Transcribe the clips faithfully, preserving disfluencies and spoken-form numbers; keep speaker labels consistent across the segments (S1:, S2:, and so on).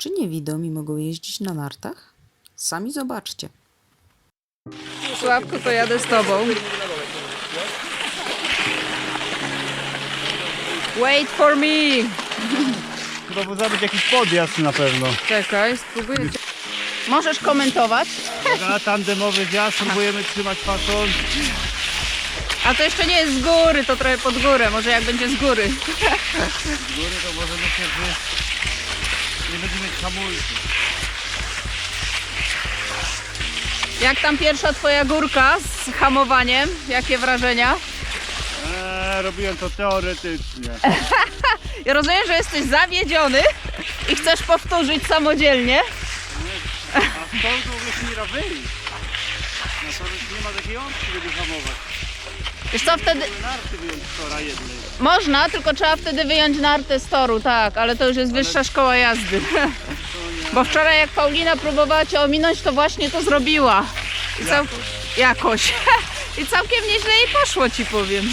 S1: Czy niewidomi mogą jeździć na nartach? Sami zobaczcie.
S2: Sławku, to jadę z tobą. Wait for me!
S3: Chyba powinien być jakiś podjazd na pewno.
S2: Czekaj, spróbuję cię. Możesz komentować?
S3: Na tandemowy zjazd próbujemy trzymać fason.
S2: A to jeszcze nie jest z góry, to trochę pod górę. Może jak będzie z góry.
S3: Z góry to może myślę, że nie będziemy mieć hamulców.
S2: Jak tam pierwsza twoja górka z hamowaniem? Jakie wrażenia?
S3: Eee, robiłem to teoretycznie.
S2: Ja rozumiem, że jesteś zawiedziony i chcesz powtórzyć samodzielnie.
S3: A stąd w ogóle się nie da wyjść. No to nie ma takiej opcji, żeby hamować.
S2: Wiesz co, wtedy
S3: Były narty wyjąć z tora jednej.
S2: można, tylko trzeba wtedy wyjąć nartę z toru, tak, ale to już jest wyższa szkoła jazdy. Bo wczoraj jak Paulina próbowała cię ominąć, to właśnie to zrobiła. I cał... Jakoś. I całkiem nieźle jej poszło, ci powiem.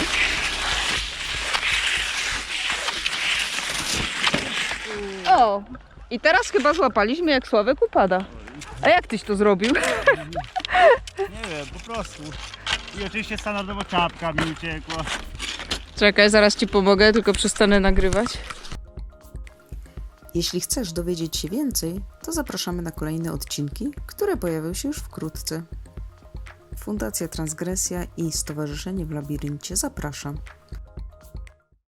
S2: O! I teraz chyba złapaliśmy, jak Sławek upada. A jak tyś to zrobił?
S3: Nie wiem, po prostu. I oczywiście standardowo czapka mi uciekła.
S2: Czekaj, zaraz ci pomogę, tylko przestanę nagrywać.
S1: Jeśli chcesz dowiedzieć się więcej, to zapraszamy na kolejne odcinki, które pojawią się już wkrótce. Fundacja Transgresja i Stowarzyszenie w Labiryncie zapraszam.